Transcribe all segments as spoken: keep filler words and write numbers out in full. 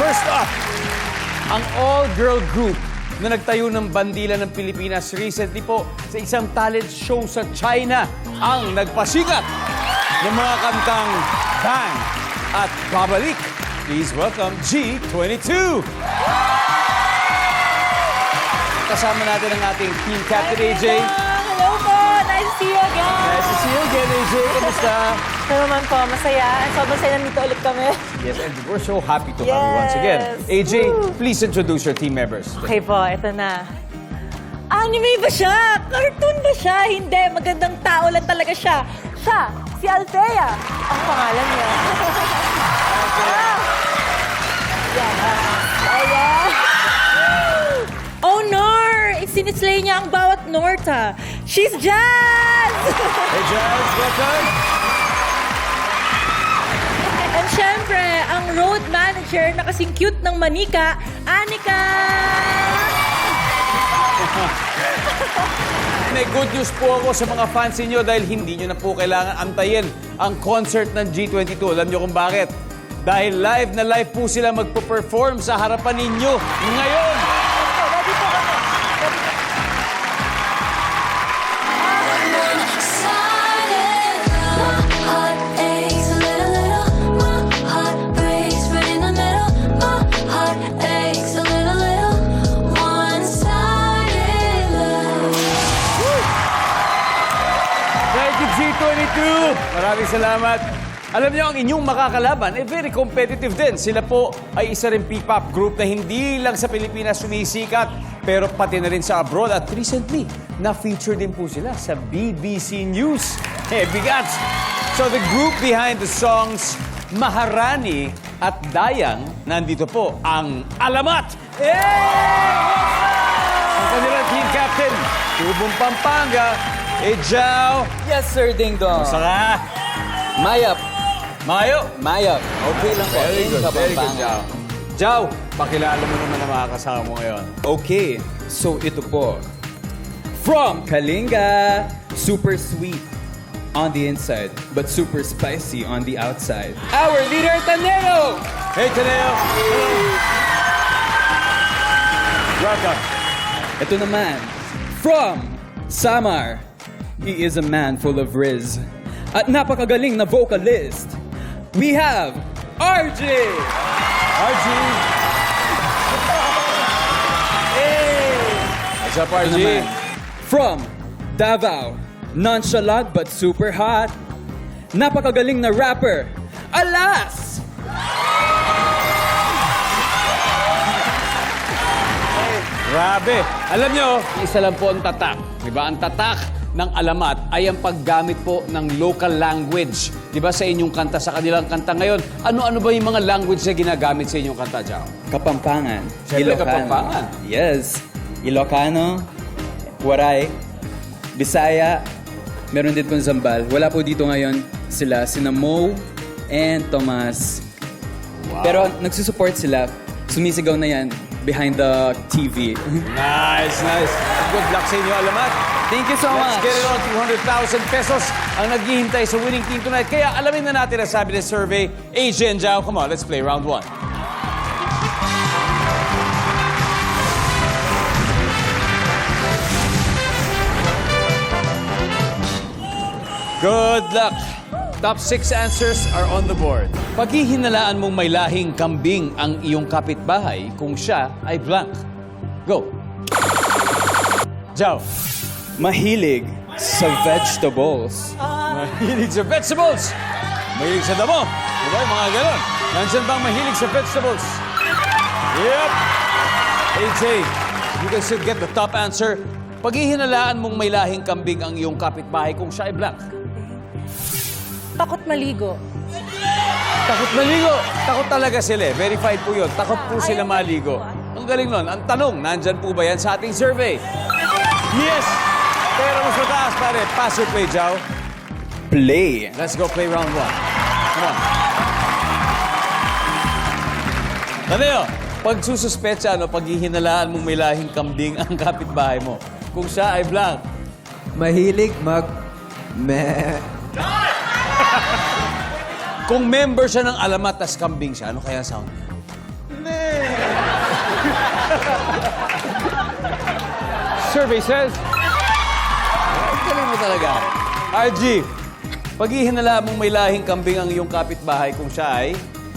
First up, ang all-girl group na nagtayo ng bandila ng Pilipinas recently po sa isang talent show sa China ang nagpasikat ng mga kantang Bang at Babalik. Please welcome G twenty-two. Kasama natin ang ating team captain, A J. Hello po! Nice to see you again! Nice to see you again, A J. Kamusta? Ito naman po, masaya. Sobrang saya nandito ulit kami. Yes, and we're so happy to have you once again. A J, Woo! please introduce your team members. Okay po, ito na. Anime ba siya? Cartoon ba siya? Hindi, magandang tao lang talaga siya. Siya, si Althea. Ang pangalan niya. Ah! Yan, ah. Ayan. Oh, Nor! Sinislay niya ang bawat Norta. She's Jazz! Hey, Jazz, welcome. And syempre, ang road manager na kasing cute ng manika, Anika! May good news po ako sa mga fans niyo dahil hindi niyo na po kailangan antayin ang concert ng G twenty-two. Alam niyo kung bakit? Dahil live na live po sila magpo-perform sa harapan ninyo ngayon. Ready po kami. Ready po. Thank you, G twenty-two. Maraming salamat. Alam niyo, ang inyong makakalaban ay very competitive din. Sila po ay isa rin P-pop group na hindi lang sa Pilipinas sumisikat, pero pati na rin sa abroad. At recently, na-feature din po sila sa B B C News. Eh, bigats! So the group behind the songs Maharani at Dayang, nandito po ang Alamat! Ang kanilang team captain, Tubong Pampanga, eh, Jao. Yes, sir, Ding Dong. Saka, Mayap. Mayo. Mayap. Okay lang po. Very Ding good, very good, Kapampangan. Jao. Jao, pakilala mo naman ang mga kasama mo ngayon. Okay, so ito po. From Kalinga, super sweet on the inside, but super spicy on the outside. Our leader, Tanero! Hey, Taneo. Welcome. Ito naman, from Samar. He is a man full of riz. At napakagaling na vocalist. We have R J! R G. Hey! What's up, R Ito G? naman, from Davao. Nonchalant but super hot. Napakagaling na rapper. Alas! Grabe. Alam nyo, isa lang po ang tatak. Diba? Ang tatak ng Alamat ay ang paggamit po ng local language. Diba sa inyong kanta, sa kanilang kanta ngayon, ano-ano ba yung mga language na ginagamit sa inyong kanta, Jao? Kapampangan. Siyempre, Kapampangan. Yes. Ilocano, Waray, Bisaya, meron din pong Zambal. Wala po dito ngayon sila, sina Mo and Tomas. Wow. Pero nagsusupport sila. Sumisigaw na yan behind the T V. Nice, nice. Good luck sa inyo, Alamat. Thank you so Let's much. get it on. two hundred thousand pesos ang naghihintay sa winning team tonight. Kaya alamin na natin ang sabi ng survey. A J and Jao, come on, let's play round one. Good luck. Top six answers are on the board. Paghihinalaan mong may lahing kambing ang iyong kapitbahay kung siya ay blank. Go. Jao. Mahilig sa vegetables. Mahilig sa vegetables. Mahilig sa damo. Diba? Yung mga ganon. Nandiyan bang mahilig sa vegetables? Yep. A J, you can still get the top answer. Paghihinalaan mong may lahing kambing ang iyong kapitbahay kung siya ay blank. Takot maligo. Takot maligo. Takot talaga sila. eh. Verified po yun. Takot po sila maligo. Ang galing nun. Ang tanong, nandyan po ba yan sa ating survey? Yes! Pero mas mataas, pare. Pass or play, Jao? Play. Let's go play round one. Come on. Taneo, pag sususpetsa, ano, paghihinalaan mong may lahing kambing ang kapitbahay mo, kung siya ay blank, Mahilig mag... Me... kung member siya ng Alamat tas kambing siya, ano kaya sound niya? Survey says... Ang galing mo talaga. R G, pag ihinala mong may lahing kambing ang iyong kapitbahay kung siya ay...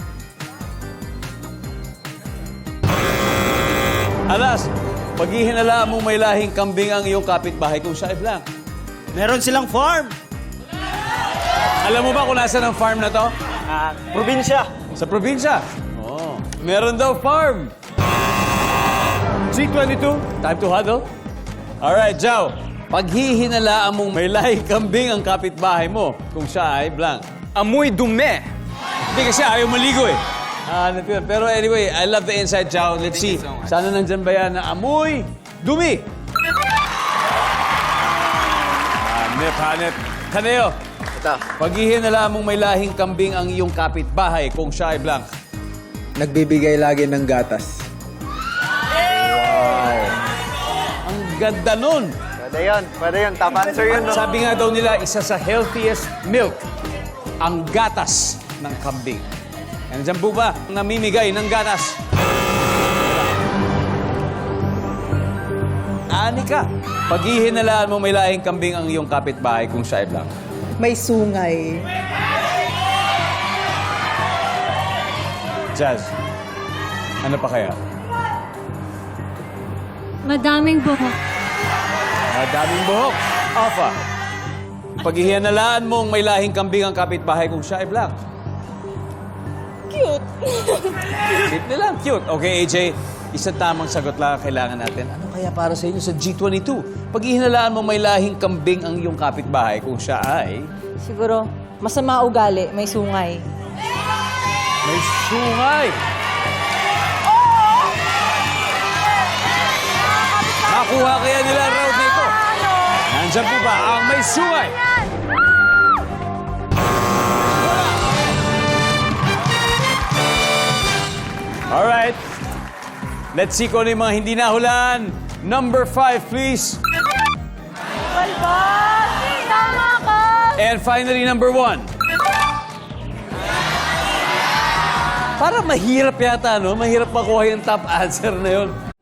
Alas, pag ihinala mong may lahing kambing ang iyong kapitbahay kung siya ay blank. Meron silang farm. Alam mo ba kung nasa ng farm na to? Ah, probinsya. Sa probinsya. Oh. Meron daw farm. G twenty-two, time to huddle. Alright, Jow. Paghihinalaan mong may lahing kambing ang kapitbahay mo kung siya ay blank. Amoy dume. Hindi kasi ayaw maligo eh. Ah, ano yun. Pero anyway, I love the inside, Jow. Let's see. you so much. Sana nandyan ba yan na amoy dumi? Hanep, hanep. Kaneo. Ito. Paghihinalaan mong may lahing kambing ang iyong kapitbahay kung siya ay blank. Nagbibigay lagi ng gatas. Ang ganda nun. Pwede yun. Pwede yun. Top answer yun. No? Sabi nga daw nila, isa sa healthiest milk, ang gatas ng kambing. Nandiyan po ba ang namimigay ng gatas? Ani ka. Paghihinalaan mo may lahing kambing ang iyong kapitbahay kung siya ay blank. May sungay. Jazz, ano pa kaya? Madaming buhok. Madaming buhok. Alpha. Paghihinalaan mong may lahing kambing ang kapitbahay kung siya ay blank. Cute. Simple lang, cute. Okay, A J, isang tamang sagot lang ang kailangan natin. Ano kaya para sa inyo sa G twenty-two? Pag ihinalaan mo may lahing kambing ang iyong kapitbahay kung siya ay Siguro, masama ugali, may sungay. may sungay. Nakuha kaya nila ang round nito. Nandiyan po ba ang may sungay? Alright. Let's see kung ano yung mga hindi nahulaan. Number five, please. Walbati! Tama ka! And finally, number one. Para mahirap yata, no? Mahirap makuha yung top answer na yun.